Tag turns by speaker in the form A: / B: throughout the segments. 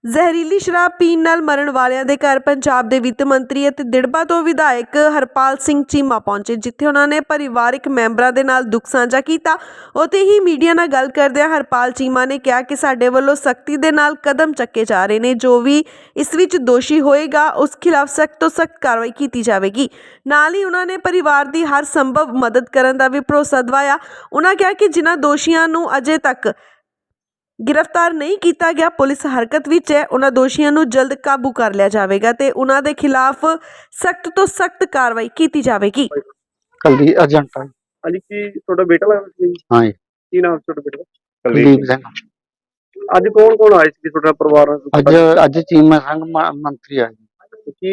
A: ਜ਼ਹਿਰੀਲੀ ਸ਼ਰਾਬ ਪੀਣ ਨਾਲ ਮਰਨ ਵਾਲਿਆਂ ਦੇ ਘਰ ਪੰਜਾਬ ਦੇ ਵਿੱਤ ਮੰਤਰੀ ਅਤੇ ਦਿੜਬਾ ਤੋਂ ਵਿਧਾਇਕ ਹਰਪਾਲ ਸਿੰਘ ਚੀਮਾ ਪਹੁੰਚੇ, ਜਿੱਥੇ ਉਹਨਾਂ ਨੇ ਪਰਿਵਾਰਕ ਮੈਂਬਰਾਂ ਦੇ ਨਾਲ ਦੁੱਖ ਸਾਂਝਾ ਕੀਤਾ। ਉੱਥੇ ਹੀ ਮੀਡੀਆ ਨਾਲ ਗੱਲ ਕਰਦਿਆਂ ਹਰਪਾਲ ਚੀਮਾ ਨੇ ਕਿਹਾ ਕਿ ਸਾਡੇ ਵੱਲੋਂ ਸਖਤੀ ਦੇ ਨਾਲ ਕਦਮ ਚੱਕੇ ਜਾ ਰਹੇ ਨੇ। ਜੋ ਵੀ ਇਸ ਵਿੱਚ ਦੋਸ਼ੀ ਹੋਏਗਾ ਉਸ ਖਿਲਾਫ ਸਖਤ ਤੋਂ ਸਖਤ ਕਾਰਵਾਈ ਕੀਤੀ ਜਾਵੇਗੀ। ਨਾਲ ਹੀ ਉਹਨਾਂ ਨੇ ਪਰਿਵਾਰ ਦੀ ਹਰ ਸੰਭਵ ਮਦਦ ਕਰਨ ਦਾ ਵੀ ਭਰੋਸਾ ਦਿਵਾਇਆ। ਉਹਨਾਂ ਕਿਹਾ ਕਿ ਜਿਨ੍ਹਾਂ ਦੋਸ਼ੀਆਂ ਨੂੰ ਅਜੇ ਤੱਕ गिरफ्तार नहीं किया गया, पुलिस हरकत विच है, उन्हां दोषियों नूं जल्द काबू कर लिया जाएगा ते उन्हां दे खिलाफ सख्त तो सख्त कार्रवाई की जाएगी।
B: कलदीप एजेंट
C: अली की थोड़ा बेटा लगदा सी?
B: हाँ जी।
C: की नाम छोटा बेटा?
B: कलदीप सिंह।
C: अज कौन आए सी थोड़ा परिवार?
B: अज चीमा संघ मंत्री आए।
C: की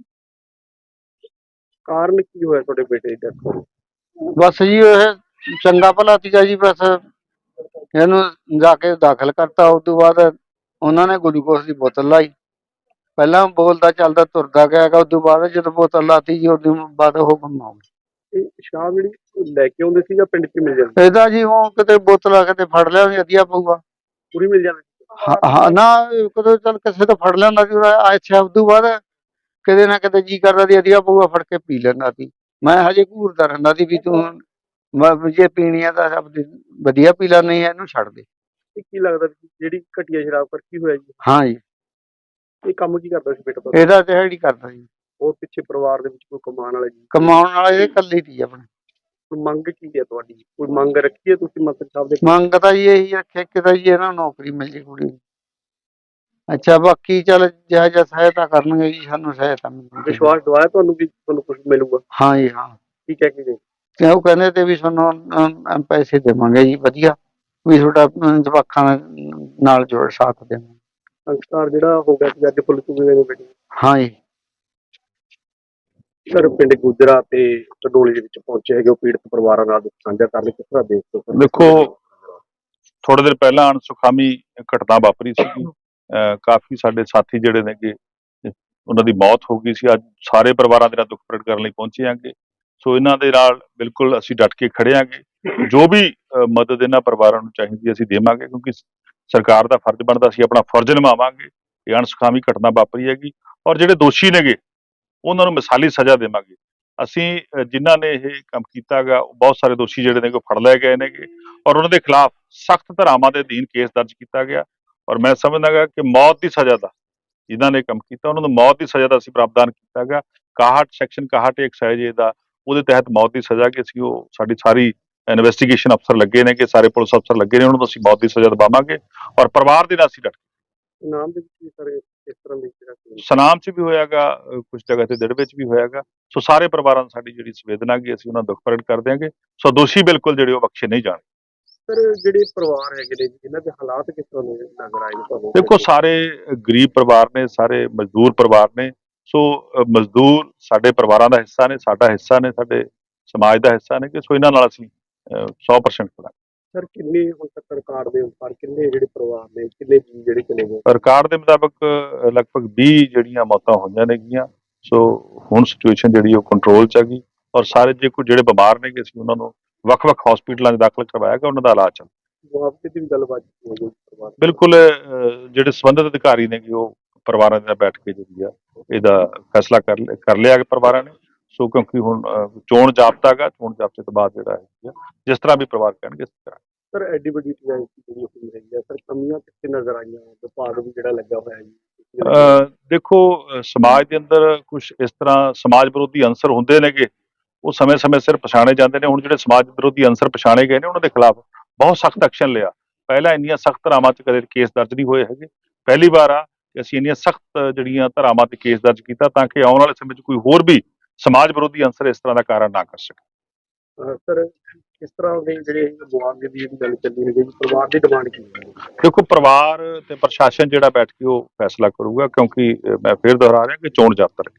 C: कारण की होया थोड़े बेटे दी डेथ हो?
B: बस जी चंगा भला सीगा जी, बस ਇਹਨੂੰ ਜਾ ਕੇ ਦਾਖਲ ਕਰਤਾ। ਉਸ ਤੋਂ ਬਾਅਦ ਉਹਨਾਂ ਨੇ ਗਲੂਕੋਸ ਦੀ ਬੋਤਲ ਲਾਈ। ਪਹਿਲਾਂ ਬੋਲਦਾ ਚੱਲਦਾ ਤੁਰਦਾ ਗਿਆ। ਉਸ ਤੋਂ ਬਾਅਦ ਜਦੋਂ ਬੋਤਲ ਲਾਤੀ ਜੀ ਉਸ ਤੋਂ ਬਾਅਦ ਉਹ ਗੁੰਮ ਹੋ ਗਿਆ।
C: ਸ਼ਰਾਬ ਜਿਹੜੀ ਲੈ ਕੇ ਆਉਂਦੇ ਸੀ ਜਾਂ ਪਿੰਡ 'ਚ ਮਿਲ ਜਾਂਦੀ?
B: ਇਹਦਾ ਜੀ ਉਹ ਕਿਤੇ ਬੋਤਲ ਆ ਕੇ ਫੜ ਲਿਆ ਵੀ ਵਧੀਆ ਪਊਗਾ,
C: ਪੂਰੀ ਮਿਲ ਜਾਂਦੀ?
B: ਹਾਂ ਨਾ ਕਦੋਂ ਚੱਲ ਕਿਸੇ ਤੋਂ ਫੜ ਲਿਆਂਦਾ ਸੀ। ਅੱਛਾ ਉਸ ਤੋਂ ਬਾਅਦ ਕਿਤੇ ਨਾ ਕਿਤੇ ਜੀ ਕਰਦਾ ਸੀ ਵਧੀਆ ਪਊਗਾ, ਫੜ ਕੇ ਪੀ ਲੈਂਦਾ ਸੀ। ਮੈਂ ਹਜੇ ਘੂਰਦਾ ਰਹਿੰਦਾ ਸੀ ਵੀ ਤੂੰ ਜੇ ਪੀਣੀ ਆ ਤਾਂ ਸਭ ਵਧੀਆ ਪੀ ਲੈ, ਨਹੀਂ ਇਹਨੂੰ ਛੱਡ ਦੇ।
C: ਕੀ ਲੱਗਦਾ ਜਿਹੜੀ ਘਟੀਆ ਸ਼ਰਾਬ ਕਰ ਕੀ ਹੋਇਆ ਜੀ?
B: ਹਾਂ ਜੀ।
C: ਇਹ ਕੰਮ ਕੀ ਕਰਦਾ ਸੀ ਬੇਟਾ?
B: ਇਹਦਾ ਦਿਹਾੜੀ ਕਰਦਾ ਜੀ।
C: ਉਹ ਪਿੱਛੇ ਪਰਿਵਾਰ ਦੇ ਵਿੱਚ ਕੋਈ ਕਮਾਉਣ ਵਾਲਾ ਜੀ?
B: ਕਮਾਉਣ ਵਾਲਾ ਇਹ ਇਕੱਲੀ ਸੀ ਆਪਣੇ।
C: ਮੰਗ ਕੀ ਹੈ ਤੁਹਾਡੀ? ਕੋਈ ਮੰਗ ਰੱਖੀ ਹੈ ਤੁਸੀਂ ਮੰਤਰੀ ਸਾਹਿਬ ਦੇ?
B: ਮੰਗ ਤਾਂ ਜੀ ਇਹੀ ਰੱਖਿਆ ਕਿ ਤਾਂ ਜੀ ਇਹਨਾਂ ਨੂੰ ਨੌਕਰੀ ਮਿਲ ਜੇ ਕੁੜੀ ਨੂੰ। ਅੱਛਾ ਬਾਕੀ ਚੱਲ ਜਿਹਾ ਸਹਾਇਤਾ ਕਰਨਗੇ ਜੀ, ਸਾਨੂੰ ਸਹਾਇਤਾ ਮਿਲੇਗੀ।
C: ਵਿਸ਼ਵਾਸ ਦਵਾਇਆ ਤੁਹਾਨੂੰ ਵੀ ਤੁਹਾਨੂੰ ਕੁਝ ਮਿਲੂਗਾ?
B: ਹਾਂ ਜੀ ਹਾਂ।
C: ਕੀ ਕਹਿ ਕੇ ਗਏ?
B: ਤੇ ਉਹ ਕਹਿੰਦੇ ਤੇ ਵੀ ਤੁਹਾਨੂੰ ਪੈਸੇ ਦੇਵਾਂਗੇ ਜੀ ਵਧੀਆ, ਵੀ ਤੁਹਾਡਾ ਜਵਾਕਾਂ ਨਾਲ ਜੋੜ ਸਾਥ ਦੇਵਾਂਗੇ।
C: ਸੰਸਕਾਰ ਜਿਹੜਾ ਹੋ ਗਿਆ ਸੀ ਅੱਜ ਪੁਲਿਸ ਨੂੰ ਬੇਟੀ?
B: ਹਾਂ ਜੀ।
C: ਸਰ ਪਿੰਡ ਗੁਜਰਾ ਤੇ ਟਡੋਲੀ ਦੇ ਵਿੱਚ ਪਹੁੰਚੇ ਹੈਗੇ, ਉਹ ਪੀੜਤ ਪਰਿਵਾਰਾਂ ਨਾਲ ਦੁੱਖ ਸਾਂਝਾ ਕਰਨ ਲਈ ਕਿਸ ਤਰ੍ਹਾਂ ਦੇਖਦੇ ਹੋ?
D: ਦੇਖੋ ਥੋੜੇ ਦਿਨ ਪਹਿਲਾਂ ਅਣਸੁਖਾਵੀ ਘਟਨਾ ਵਾਪਰੀ ਸੀ। ਕਾਫੀ ਸਾਡੇ ਸਾਥੀ ਜਿਹੜੇ ਨੇਗੇ ਉਹਨਾਂ ਦੀ ਮੌਤ ਹੋ ਗਈ ਸੀ। ਅੱਜ ਸਾਰੇ ਪਰਿਵਾਰਾਂ ਦੇ ਨਾਲ ਦੁੱਖ ਪ੍ਰਗਟ ਕਰਨ ਲਈ ਪਹੁੰਚੇ ਆਂਗੇ। ਸੋ ਇਹਨਾਂ ਦੇ ਨਾਲ ਬਿਲਕੁਲ ਅਸੀਂ ਡਟ ਕੇ ਖੜੇ ਆਂਗੇ। ਜੋ ਵੀ ਮਦਦ ਇਹਨਾਂ ਪਰਿਵਾਰਾਂ ਨੂੰ ਚਾਹੀਦੀ ਅਸੀਂ ਦੇਵਾਂਗੇ, ਕਿਉਂਕਿ ਸਰਕਾਰ ਦਾ ਫਰਜ਼ ਬਣਦਾ, ਅਸੀਂ ਆਪਣਾ ਫਰਜ਼ ਨਿਭਾਵਾਂਗੇ। ਇਹ ਅਣਸੁਖਾਵੀ ਘਟਨਾ ਵਾਪਰੀ ਹੈਗੀ ਔਰ ਜਿਹੜੇ ਦੋਸ਼ੀ ਨੇਗੇ ਉਹਨਾਂ ਨੂੰ ਮਿਸਾਲੀ ਸਜ਼ਾ ਦੇਵਾਂਗੇ। ਅਸੀਂ ਜਿਨ੍ਹਾਂ ਨੇ ਇਹ ਕੰਮ ਕੀਤਾ ਗਾ ਬਹੁਤ ਸਾਰੇ ਦੋਸ਼ੀ ਜਿਹੜੇ ਨੇ ਫੜ ਲਏ ਗਏ ਨੇਗੇ ਔਰ ਉਹਨਾਂ ਦੇ ਖਿਲਾਫ ਸਖਤ ਧਾਰਾਵਾਂ ਦੇ ਅਧੀਨ ਕੇਸ ਦਰਜ ਕੀਤਾ ਗਿਆ ਔਰ ਮੈਂ ਸਮਝਦਾ ਗਾ ਕਿ ਮੌਤ ਦੀ ਸਜ਼ਾ ਦਾ ਜਿਨ੍ਹਾਂ ਨੇ ਕੰਮ ਕੀਤਾ ਉਹਨਾਂ ਨੂੰ ਮੌਤ ਦੀ ਸਜ਼ਾ ਦਾ ਅਸੀਂ ਪ੍ਰਾਵਧਾਨ ਕੀਤਾ ਗਾ। 61 ਸੈਕਸ਼ਨ 61 ਐਕਸਾਈਜ਼ ਦਾ ਉਹਦੇ ਤਹਿਤ ਮੌਤ ਦੀ ਸਜ਼ਾ ਕਿ ਅਸੀਂ ਉਹ ਸਾਡੀ ਇਨਵੈਸਟੀਗੇਸ਼ਨ ਅਫਸਰ ਲੱਗੇ ਨੇ, ਕਿ ਸਾਰੇ ਪੁਲਿਸ ਅਫਸਰ ਲੱਗੇ ਨੇ, ਉਹਨਾਂ ਨੂੰ ਅਸੀਂ ਮੌਤ ਦੀ ਸਜ਼ਾ ਦਿਵਾਵਾਂਗੇ ਔਰ ਪਰਿਵਾਰ ਦੇ ਨਾਲ ਅਸੀਂ ਡਟ
C: ਨਾਮ ਦੇ ਵਿੱਚ ਸਰ ਇਸ ਤਰ੍ਹਾਂ ਦੀ
D: ਸਨਾਮ 'ਚ ਵੀ ਹੋਇਆਗਾ, ਕੁਝ ਜਗ੍ਹਾ ਤੇ ਦਿੜ ਵਿੱਚ ਵੀ ਹੋਇਆਗਾ। ਸੋ ਸਾਰੇ ਪਰਿਵਾਰਾਂ ਨੂੰ ਸਾਡੀ ਜਿਹੜੀ ਸੰਵੇਦਨਾ ਗੀ ਅਸੀਂ ਉਹਨਾਂ ਦੁੱਖ ਪ੍ਰਗਟ ਕਰ ਦਿਆਂਗੇ। ਸੋ ਦੋਸ਼ੀ ਬਿਲਕੁਲ ਜਿਹੜੇ ਉਹ ਬਖਸ਼ੇ ਨਹੀਂ ਜਾਣਗੇ।
C: ਸਰ ਜਿਹੜੇ ਪਰਿਵਾਰ ਹੈਗੇ ਨੇ ਜਿਨ੍ਹਾਂ ਦੇ ਹਾਲਾਤ ਕਿਸ ਤਰ੍ਹਾਂ ਦੇ ਨਜ਼ਰ ਆਏ ਨੇ ਤੁਹਾਨੂੰ?
D: ਦੇਖੋ ਸਾਰੇ ਗਰੀਬ ਪਰਿਵਾਰ ਨੇ, ਸਾਰੇ ਮਜ਼ਦੂਰ ਪਰਿਵਾਰ ਨੇ। ਸੋ ਮਜ਼ਦੂਰ ਸਾਡੇ ਪਰਿਵਾਰਾਂ ਦਾ ਹਿੱਸਾ ਨੇ, ਸਾਡਾ ਹਿੱਸਾ ਨੇ, ਸਾਡੇ ਸਮਾਜ ਦਾ ਹਿੱਸਾ ਨੇ, ਕਿ ਸੋ ਇਹਨਾਂ ਨਾਲ ਅਸੀਂ 100% ਖੜਾ।
C: ਸਰ ਕਿੰਨੇ ਹੁਣ ਤੱਕ ਰਿਕਾਰਡ ਦੇ ਅਨੁਸਾਰ ਕਿੰਨੇ ਜਿਹੜੇ ਪਰਿਵਾਰ ਨੇ, ਕਿੰਨੇ ਜੀ ਜਿਹੜੇ ਚਲੇ ਗਏ?
D: ਰਿਕਾਰਡ ਦੇ ਮੁਤਾਬਕ ਲਗਭਗ 20 ਜਿਹੜੀਆਂ ਮੌਤਾਂ ਹੋਈਆਂ ਨੇਗੀਆਂ। ਸੋ ਹੁਣ ਸਿਚੁਏਸ਼ਨ ਜਿਹੜੀ ਉਹ ਕੰਟਰੋਲ 'ਚ ਹੈਗੀ ਔਰ ਸਾਰੇ ਜਿਹੜੇ ਬਿਮਾਰ ਨੇ ਅਸੀਂ ਉਹਨਾਂ ਨੂੰ ਵੱਖ-ਵੱਖ ਹਸਪੀਟਲਾਂ 'ਚ ਦਾਖਲ ਕਰਵਾਇਆ ਗਿਆ, ਉਹਨਾਂ ਦਾ ਇਲਾਜ ਚੱਲ ਰਿਹਾ।
C: ਮੁਆਵਜ਼ੇ ਦੀ ਵੀ ਗੱਲਬਾਤ ਹੋ ਗਈ ਪਰਿਵਾਰ?
D: ਬਿਲਕੁਲ ਜਿਹੜੇ ਸੰਬੰਧਿਤ ਅਧਿਕਾਰੀ ਨੇ ਕਿ ਉਹ ਪਰਿਵਾਰਾਂ ਦੇ ਨਾਲ ਬੈਠ ਕੇ ਜਿਹੜੀ ਆ ਇਹਦਾ ਫੈਸਲਾ ਕਰ ਲਿਆ ਕਿ ਪਰਿਵਾਰਾਂ ਨੇ। ਸੋ ਕਿਉਂਕਿ ਹੁਣ ਚੋਣ ਜਾਬਤਾ ਗਾ, ਚੋਣ ਜਾਬਤੇ ਤੋਂ ਬਾਅਦ ਜਿਹੜਾ ਹੈ ਜਿਸ ਤਰ੍ਹਾਂ ਵੀ ਪਰਿਵਾਰ ਕਹਿਣਗੇ ਇਸ ਤਰ੍ਹਾਂ।
C: ਸਰ ਐਡੀ ਵੱਡੀ ਜਿਹੜੀ ਹੋਈ ਹੈਗੀ ਆ, ਸਰ ਕਮੀਆਂ ਕਿੱਥੇ ਨਜ਼ਰ ਆਈਆਂ? ਵਿਭਾਗ ਵੀ ਜਿਹੜਾ ਲੱਗਾ ਹੋਇਆ ਜੀ।
D: ਦੇਖੋ ਸਮਾਜ ਦੇ ਅੰਦਰ ਕੁਝ ਇਸ ਤਰ੍ਹਾਂ ਸਮਾਜ ਵਿਰੋਧੀ ਅੰਸਰ ਹੁੰਦੇ ਨੇਗੇ, ਉਹ ਸਮੇਂ-ਸਮੇਂ ਸਿਰ ਪਛਾਣੇ ਜਾਂਦੇ ਨੇ। ਹੁਣ ਜਿਹੜੇ ਸਮਾਜ ਵਿਰੋਧੀ ਅੰਸਰ ਪਛਾਣੇ ਗਏ ਨੇ ਉਹਨਾਂ ਦੇ ਖਿਲਾਫ ਬਹੁਤ ਸਖਤ ਐਕਸ਼ਨ ਲਿਆ। ਪਹਿਲਾਂ ਇੰਨੀਆਂ ਸਖਤ ਧਾਰਾਵਾਂ 'ਚ ਕਦੇ ਕੇਸ ਦਰਜ ਨਹੀਂ ਹੋਏ ਹੈਗੇ। ਪਹਿਲੀ ਵਾਰ ਆ ਕਿ ਅਸੀਂ ਇੰਨੀਆਂ ਸਖਤ ਜਿਹੜੀਆਂ ਧਾਰਾਵਾਂ 'ਤੇ ਕੇਸ ਦਰਜ ਕੀਤਾ ਤਾਂ ਕਿ ਆਉਣ ਵਾਲੇ ਸਮੇਂ 'ਚ ਕੋਈ ਹੋਰ ਵੀ ਸਮਾਜ ਵਿਰੋਧੀ ਅੰਸਰ ਇਸ ਤਰ੍ਹਾਂ ਦਾ ਕਾਰਨ ਨਾ ਕਰ ਸਕੇ।
C: ਸਰ ਕਿਸ ਤਰ੍ਹਾਂ ਦੇ ਜਿਹੜੇ ਮੁਆਵਜ਼ੇ ਦੀ ਗੱਲ ਚੱਲੀ ਹੈ, ਪਰਿਵਾਰ ਦੀ ਡਿਮਾਂਡ ਕੀ ਹੈ?
D: ਦੇਖੋ ਪਰਿਵਾਰ ਤੇ ਪ੍ਰਸ਼ਾਸਨ ਜਿਹੜਾ ਬੈਠ ਕੇ ਉਹ ਫੈਸਲਾ ਕਰੂਗਾ, ਕਿਉਂਕਿ ਮੈਂ ਫਿਰ ਦੁਹਰਾ ਰਿਹਾ ਕਿ ਚੋਣ ਜਾਬਤਾ